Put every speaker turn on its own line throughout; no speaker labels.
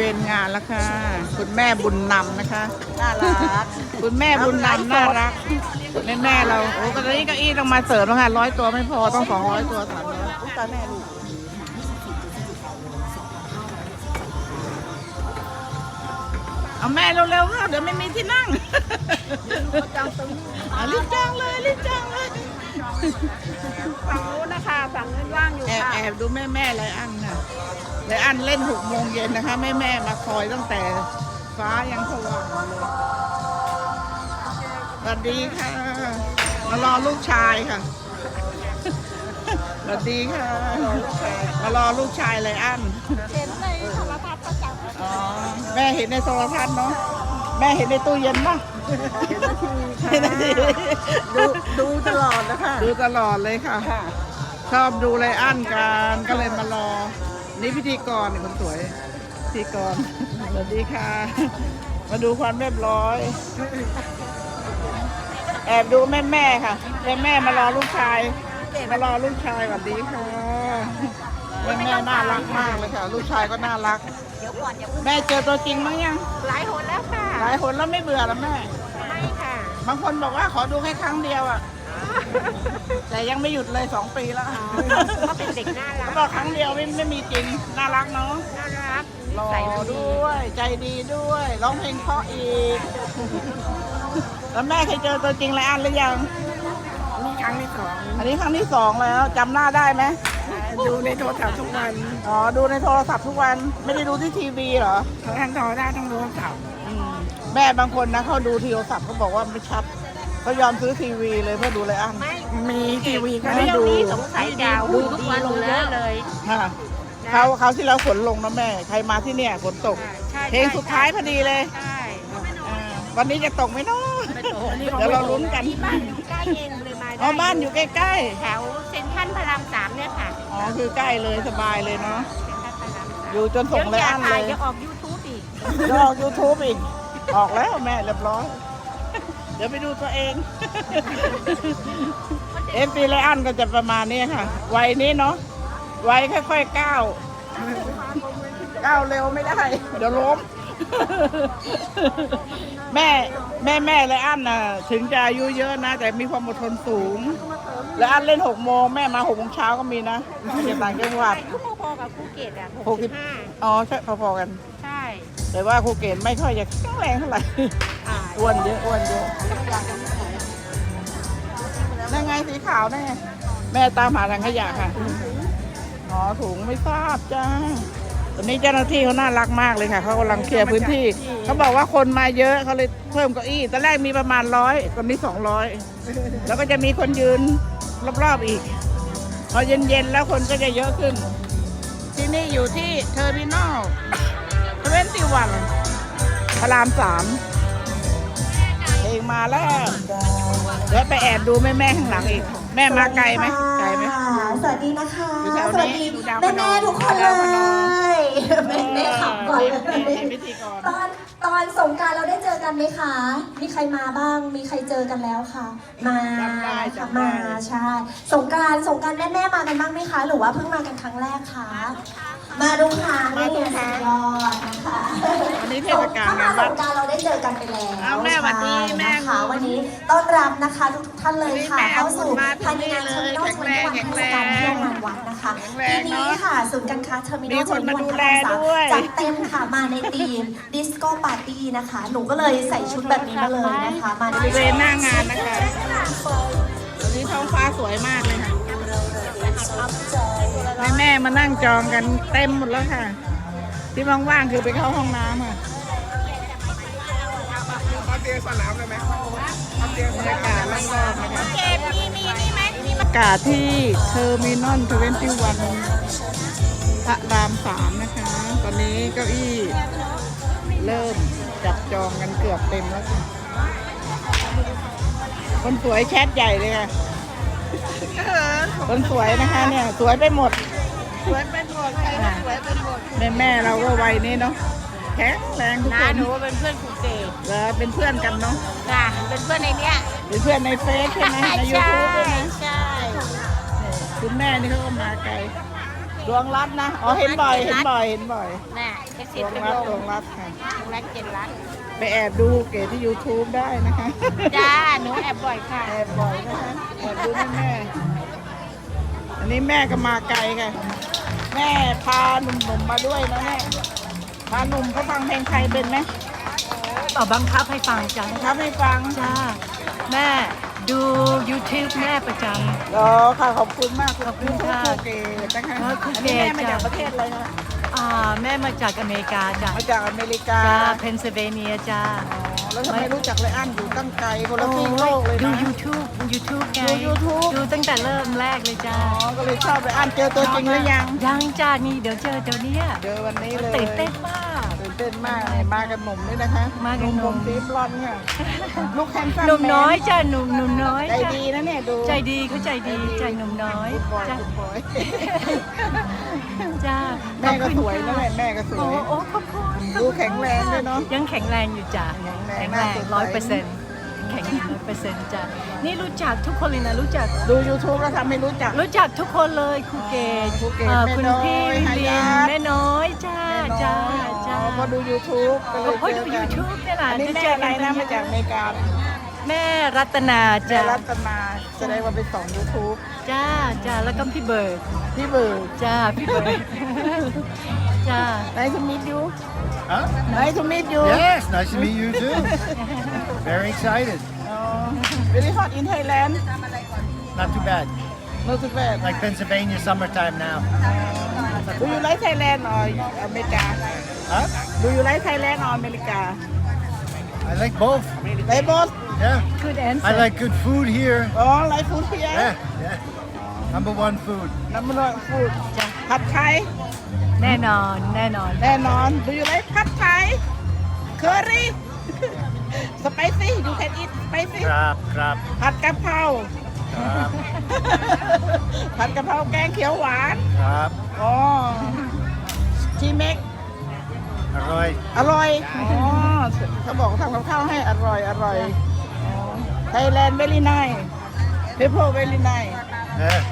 วณงานแล้วค่ะคุณแม่บุญนำนะคะน่ารักคุณแม่บุญนำน่ารักแม่เราโอ้ก็ตอนนี้เก้าอี้ต้องมาเสริมแล้วค่ะ100 ตัวไม่พอต้อง200 ตัว300ตาแม่ลูกเอาแม่เร็วๆค่ะเดี๋ยวไม่มีที่นั่งรีบจ้างเลยรีบจ้างเลย
ฝั่งนู้นนะคะฝั่งนู้นว่างอยู่ค่ะ
แอบดูแม่ไรอันค่ะไรอันเล่น6 โมงเย็นนะคะแม่มาคอยตั้งแต่ฟ้ายังสว่างเลยสวัสดีค่ะมารอลูกชายค่ะสวัสดีค่ะมารอลูกชายไรอัน
เห็นในโทรทัศน์ประจำ
อ๋อแม่เห็นในโทรทัศน์เนาะแม่เห็นในตู้เย็นป่ะ
เห็นนาทีดูตลอดนะคะ
ดูตลอดเลยค่ะชอบดูไรอันกันก็เลยมารอนี่พิธีกรคนสวยพิธีกรสวัสดีค่ะมาดูความเรียบร้อยแอบดูแม่ค่ะแม่มารอลูกชายสวัสดีค่ะแม่น่ารักมากเลยค่ะลูกชายก็น่ารัก
เดี๋ยวก่อน
แม่เจอตัวจริงมั้งยัง
หลายคนแล้วค่ะ
หลายคนแล้วไม่เบื่อหรอแม่
ไม่ค่ะ
บางคนบอกว่าขอดูแค่ครั้งเดียวอ่ะแต่ยังไม่หยุดเลย2 ปีแล้ว
ก็เป็นเด็กน่ารัก
เขาบอกครั้งเดียวไม่มีจริงน่ารักเนาะ
น่ารัก
หล่อด้วยใจดีด้วยร้องเพลงเพราะอีกแล้วแม่เคยเจอตัวจริงไรอันหรือยัง
นี่ครั้งที่2
อันนี้ครั้งที่2แล้วจำหน้าได้ไหม
ดูในโทรศัพท์ทุกวัน
อ๋อดูในโทรศัพท์ทุกวันไม่ได้ดูที่ทีวีเหรอ
ทั้งโทรได้ทั้งโทรศัพท์
แม่บางคนนะเขาดูโทรศัพท์เขาบอกว่าไม่ชัดเขายอมซื้อทีวีเลยเพื่อดูไรอัน
มีทีวีก็ได้ดูสงสัยดาวดูทุกวันแล้วเลย
ค่ะเขาที่เราฝนลงนะแม่ใครมาที่เนี่ยฝนตกเพลงสุดท้ายพอดีเลยวันนี้จะตกไหมเนาะเดี๋ยวเราลุ้นกัน
บ้านอยู่ใกล้เองเลยมา
อ๋อบ้านอยู่ใกล้
ๆแถวเซ็นทรัลพระราม3เนี่ยค่ะ
อ๋อคือใกล้เลยสบายเลยเนาะอยู่จนส่งไรอันเลย
จะออก YouTube อีก
จะออก YouTube อีกออกแล้วแม่เรียบร้อยเดี๋ยวไปดูตัวเองปีไรอันก็จะประมาณนี้ค่ะวัยนี้เนาะวัยค่อยๆก้าวเร็วไม่ได้เดี๋ยวล้มแม่ไรอันน่ะถึงจะอายุเยอะนะแต่มีความอดทนสูงและอันเล่น6 โมงแม่มา6 โมงเช้าก็มีนะอยู่ต่างจังหวัด
พอๆกับภูเก็ตอ่ะ
65อ๋อใช่พอๆกัน
ใช่
แต่ว่าภูเก็ตไม่ค่อยจะแข็งแรงเท่าไหร่อ้วนเยอะนั่นไงสีขาวนั่นไงแม่ตามหาถังขยะค่ะอ๋อถุงไม่ทราบจ้าตอนนี้เจ้าหน้าที่เขาน่ารักมากเลยค่ะเขากำลังเคลียร์พื้นที่เขาบอกว่าคนมาเยอะเขาเลยเพิ่มเก้าอี้ตอนแรกมีประมาณ100ตอนนี้200แล้วก็จะมีคนยืนรอบๆอีกพอเย็นๆแล้วคนก็จะเยอะขึ้นที่นี่อยู่ที่เทอร์มินอล21พระราม3เองมาแล้วเดี๋ยวไปแอบดูแม่ข้างหลังอีกแม่มาไกลไหม
สวัสดีนะคะสวัสดีแม่ทุกคนเลยแม่ขับก่อนตอนสงกรานต์เราได้เจอกันไหมคะมีใครมาบ้างมีใครเจอกันแล้วคะมาใช่สงกรานต์แม่มากันบ้างไหมคะหรือว่าเพิ่งมากันครั้งแรกคะมาดูค่ะนี่สุดยอดนะคะ
วันนี้เทศกาล
ถ้ามาสงกรานต์เราได้เจอกันไปแล้ว
แม่วันนี้แม่
ค่ะวันนี้ต้อนรับนะคะทุกท่านเลยค่ะเข้าสู่ภายในงานเทอร์มินอล21เทศกาลเที่ยวงานวัดนะคะปีนี้ค่ะศูนย์การค้าเทอร์มินอล21พระราม3จัดเต็มค่ะมาในธีมดิสโก้ปาร์ตี้นะคะหนูก็เลยใส่ชุดแบบนี้มาเลยนะคะมา
บริเวณหน้างานนะคะวันนี้ท้องฟ้าสวยมากเลยค่ะแม่มานั่งจองกันเต็มหมดแล้วค่ะที่ว่างๆคือไปเข้าห้องน้ำค่ะ
เตียงสนามเลยไหม
บรรยากาศรอบๆนะคะอากาศที่เทอร์มินอล21พระราม3นะคะตอนนี้เก้าอี้เริ่มจับจองกันเกือบเต็มแล้วค่ะคนสวยแชทใหญ่เลยค่ะคนสวยนะคะเนี่ยสวยไปหมด
ใครก็สวยเป็นหมด
แม่เราก็วัยนี้เนาะแข็งแรงทุกคน
หนูเป็นเพื่อนครูเก๋
เป็นเพื่อนกันเนาะ
จ้ะเป็นเพื่อนในเนี้ย
เป็นเพื่อนในเฟซใช่ไหมในยูทูบใช่ไหม
ใช่
คุณแม่นี่เขาก็มาไกลดวงรัตน์นะอ๋อเห็นบ่อย
น่ะแก
ตรงรัดค่ะตรงรัด7 ล้านไปแอบดูเก๋ที่ YouTube ได้นะคะ
จ้าหนูแอบบ่อยค่ะ
แอบบ่อยนะคะแอบดูแม่อันนี้แม่ก็มาไกลค่ะ แม่พาหนุ่มๆมาด้วยนะแม่พาหนุ่มเขาฟังเพลงไทยเป็นไหม
บังคับให้ฟังจ้า
ครับให้ฟัง
จ้าแม่ดู YouTube แม่ประจ
อ๋อค่ะขอบคุณมาก
ขอบคุณค่ะ
ครูเก๋นะคะ
ครู
อัน
เก๋
นี้แม่มาจาก
จ้ะ
ประเทศอะไรคะ
ำแม่มาจากอเมริกาจ้า
มาจากอเมริกา
จ้าเพนซิลเวเนียจ้า
อ๋อแล้วทำไมรู้จักไรอันอยู่ตั้งไกลคนละซีกโลกเลย
ดู
นะ
YouTube ไง
ดู YouTube
ดูตั้งแต่เริ่มแรกเลยจ้า
อ๋อก็เลยชอบไรอันเจอตัวจริงหรือยัง
ยังจ้านี่เดี๋ยวเจอเดี๋ยวเนี้ย
เจอวันนี้เลย
ตื่นเต้นมาก
ตื่นเต้นมากเลยมากันหนุ่มด้วยนะคะ
มากันหนุ่ม
ผมสีบลอนด์ค่ะลูกแฮนซัม
หนุ่มน้อยจ้าหนุ่มน้อย
ใจ
จ้า
ดีนะเนี่ยดู
ใจดีเขาใจดีใจหนุ่มน้อย
คุณบอย
จ้า
คุณบอย
จ้า
แม่ก็สวย
ขอบ
นะ
คุณ
แม่ก็ส
โอ้
วย
โอ้ขอบคุณ
ดูแข็งแรงด้วยเนาะ
ยังแข็งแรงอยู่จ้ะ
แข็งแรง
100%
น่าสนใจ
แข็ง100%จ้ะนี่รู้จักทุกคนเลยนะรู้จัก
ดู YouTube แล้วทำให้รู้จัก
รู้จักทุกคนเลยครูเกศ
ครูเกศ
คุณ
แม่น้อย
พี่วิ
หา
ลิ
ยาน ท
แม่น้อยจ้าจ้า
อ๋
จ้า
อพอดู YouTube ก็เลย
พอ
เจ
ดู
อกัน
YouTube เนี่ยนะ
อันนี้
จะ
แม่
เจอ
อะไร
กัน
นะมาจากอเมริกา
แม่รัตนา
แม่
จ้า
รัตนาแสดงว่าไปส่อง YouTube
จ้าจ้าแล้วก็พี่เบิร์ด
พี่เบิร์ด
จ้าพี่เบิร์ดจ้า
Nice to meet you
Huh?
Nice to meet you
Yes, nice to meet you too. Very excited.
Very hot in Thailand
Not too bad.
Not too bad
Like Pennsylvania summertime now.
Do you like Thailand or America
Huh?
Do you like Thailand or America
I like both.
They both
Yeah.
good answer
I like good food here.
Oh like food here
Yeah, yeah. Number one food.
Number one food
จ้า
ผัดไทย
แน่นอนแน่นอน
แน่นอน Do you like ผัดไทย Curry Spicy You can eat spicy
Crap, crap,
ผัดกะเพรา
crap,
ผัดกะเพราแกงเขียวหวาน
crap.
อ๋อชีเม็ก
Aroy.
อร่อย อ๋อเขาบอกทำกับข้าวให้อร่อยไทยแลนด์ very nice people very nice
Yeah.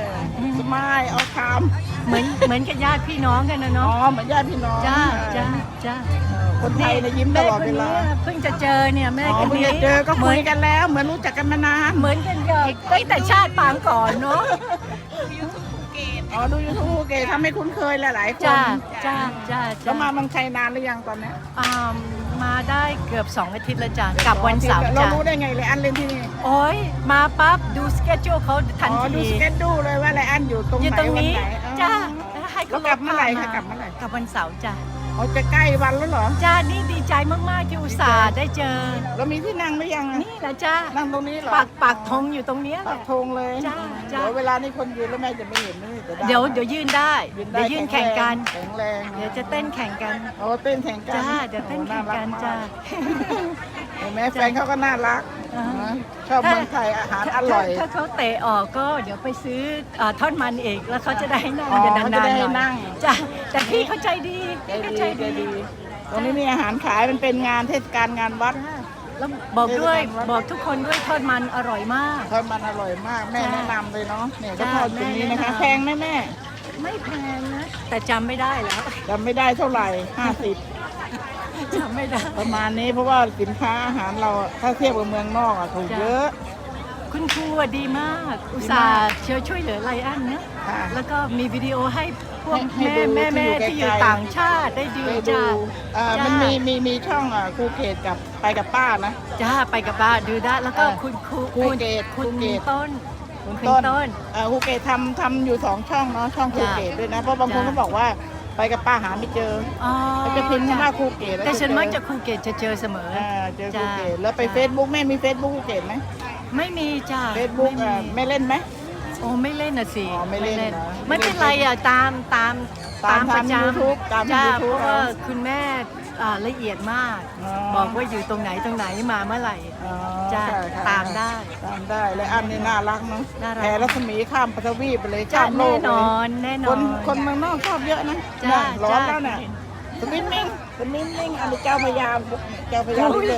smile เอาคำ
เหมือนกับญาติพี่น้องกันนะ
อ๋อ
เนาะ
เหมือนญาติพี่น้อง
จ้าจ้าจ้า
คนไทยเนี่ยยิ้มตลอดเวลา
แม่คนนี้เพิ่งจะเจอเนี่ยแม่
อ๋อ
คน
เพิ่ง
นี้
จะเจอก็คุยกันแล้ว เหมือนรู้จักกันมานาน
เหมือนกันกับตั้งแต่ชาติปางก่อนเนาะ
อ๋อดูยูทูบเกทำให้คุ้นเคยหลายๆคน
จ้าจ้าจ้า
แล้วมาเมืองไทยนานหรือยังตอนเนี้ย
มาได้เกือบ2 อาทิตย์แล้วจ้ะกลับวันเสาร์
เรา
จ้ะ
รู้ได้ไงเลยอันเล่นที่นี่
โอ้ยมาปั๊บดูสเกจจูเขาทัน
อ๋อดู
ที
สเก็ตดูเลยว่าไรอันอยู่ตรง
อยู่
ไหน
ตรง
วัน
นี้
ไหน
จ้า
อ๋อ
ให้
แล้วกลับเมื่อไหร่คะกลับเมื่อไหร่
กลับวันเสาร์จ้ะ
อ๋อจะใกล้วันแล้วเหรอ
จ้านี่ดีใจมากๆที่อุตส่าห์ได้เจอ
เรามีที่นั่งหรือยังอะ
นี่แหละจ้า
นั่งตรงนี้เหรอ
ปากธงอยู่ตรงเนี้ยแห
ปั
ละ
กธงเลย
จ้าจ้า
เดี๋ยวเวลานี้คนยืนแล้วแม่จะไม่เห็นไม่จะได้
เดี๋ยวยื่นได้
ได้
เดี๋ยวยื่นแข่งกัน
แข็งแรง
เดี๋ยวจะเต้นแข่งกัน
โอ้เต้นแข่งกัน
จ้าเดี๋ยวเต้นแข่งกัน
โอ้
จ้า
เห็นไหมแฟนเขาก็น่ารัก
อ่า
นะชอบเมืองไทยอาหารอร่อย
ถ้าเขาเตะออกก็เดี๋ยวไปซื้อทอดมันเองแล้วเขาจะได้นั่ง
อ๋อ
จะ
เขา
นา
จะ
น
ได้
ๆหน่อย
นั่ง
จ้ะแต่พี่เขาใจดี
ใจ
พี่เขา
ดี
ใจ
ใจ
ดี
ดีตรงนี้มีอาหารขายมันเป็นงานเทศกาลงานวัด
จ้ะแล้วบอกด้วยบอกทุกคนด้วยทอดมันอร่อยมาก
ทอดมันอร่อยมากแม่
จ้า
แนะนำเลยเนาะเนี่ยก็
จ้า
ทอดตรงนี้นะคะ
แม่แนะนำ
แพงไหมแม่
ไม่แพงนะ แต่จำไม่ได้แล้ว
จำไม่ได้เท่าไหร่50
จำไม่ได้
ประมาณนี้เพราะว่าสินค้าอาหารเราถ้าเทียบกับเมืองนอกอะถูก
จ้า
เยอะ
คุณครูอะดีมาก อุตส่าห์ช่วยเหลือไลอ้อนนะ
ค่ะ
แล้วก็มีวิดีโอให้พวก
ให้
แม่
ดู
แม่
ที่อยู่
ที่อยู่
ไกลๆ
ต่างชาติได้ดู
ไปดู
จ้า
มัน
จ้า
มีช่องครูเกตกับไปกับป้านะ
จ้าไปกับบ้านดูได้แล้วก็ คุณครู
ครูเกต
คุณ
ครูเกต
ต้น
คุณ
คุณ
ต้น
ต้น
ครูเกตทำอยู่2ช่องเนาะช่องครู
จ้ะ
เกตด้วยนะเพราะบางคน
จ้ะ
ก็บอกว่าไปกับป้าหาไม่เจอ
อ๋อ
เขาจะพิมพ์คำว่าครูเกตล้ว
แต่ฉัน
เจอ
มักจะครูเกตจะเจอเสมอ
เจอครู
จ้ะ
เกตแล้วไป
จ้ะ
Facebook แม่มี Facebook ครูเกตไหม
ไม่มีจ้า
Facebook
ไม่มี
แม่เล่นไหม
โอ้ไม่เล่นน่ะสิ
อ๋อไม่เล่นเหรอ
ไม่เป็นไรอ่ะตามประจำ
YouTube ตาม
จ้า
YouTube
เพราะว่าคุณแม่ละเอียดมาก
อ๋อ
บอกว่าอยู่ตรงไหนมาเมื่อไหร่
อ๋อ
จ้ะ
ค่ะค่ะ
ตามได้
ตามได้และอันนี้น่ารักเนาะ
น่ารัก
แผ่รัศมีข้ามปฐวีปไปเลย
จ้า
ข้ามโล
แน่
ก
น
เลย
อนแน่น
ค
อน
คนเมืองนอกชอบเยอะนะ
จ้า
เนี่ยร้อน
จ้า
แล้วเนี่ยสวิมมิ่งอันนี้เจ้าพระยาเลย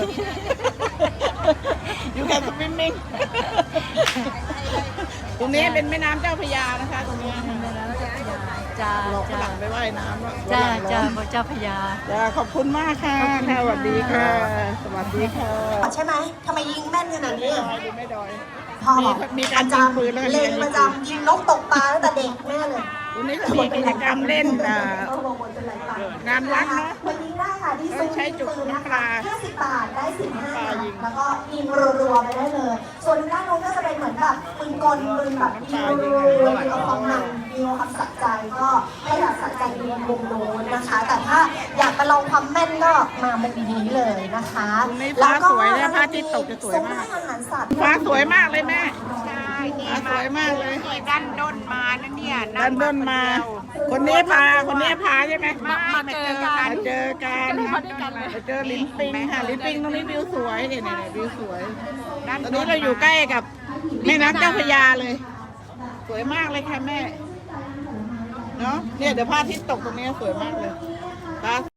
อยู่แค่สวิมมิ่งตรงนี้เป็นแม่น้ำเจ้าพระยานะคะตรงนี้
แม่น้ำเจ้าพระยาจ้า
หลอกฝ
จ้า
รั่งไปว่ายน้ำแล้ว
จ้า
ฝรั่งร้
จ้า
อน
พระเจ้าพญา
จ้าขอบคุณมากค่ะค่ะสวัสดีค่ะ สวัสดีค่ะ
ใช่ไหมทำไมยิงแม่นขนาดนี้อะ
ดูไม่ดอย
พ่อบอก
มีการยิงปืนแล้วก็มี
เล่
กาน รยิงปืน
ประจำยิงนกตกปลาตั้งแต่เด็กแม่เลย
วันนี้ก็มีกิจกรรมเล่นงานวัดเนาะ
วันนี้ได้ค่ะที่ซุ้ม
ใช้จุด
ปืน
น้ำปลา
50 บาทได้15
ปลา
นัด
ยิง
แล้วก็ยิงรัวๆไปได้เลย ส่วนด้านโน้นก็จะเป็นเหมือนแบบปืนกลปืนแบบยิงรัวๆยิงเอาความมันยิงเอาความสะใจก็ให้แบบสะใจดูวงโน้นนะคะ แต่ถ้าอยากไปลองความแม่นก็มาเมื่อกี้นี้เลยนะคะ
ตรงนี้ฟ้าสวยนะพระอาทิตย์ตกจะสวยมาก
ซุ้ให้อาหารสัตว์
ฟ้าสวยมากเลยแม่ฟ้าสวยมากเลย
ด้านด้นมานะเนี่ย
ด้านบนมา คนนี้พาใช่ไหม
มาเจอกัน
มาเจอกันมาเจอลิ้นปิงค่ะลิ้นปิงตรงนี้วิวสวยเนี่ยวิวสวย ตอนนี้เราอยู่ใกล้กับแม่น้ำเจ้าพระยาเลย สวยมากเลยค่ะแม่ เนาะเนี่ยเดี๋ยวพระอาทิตย์ตกตรงนี้สวยมากเลยฟ้า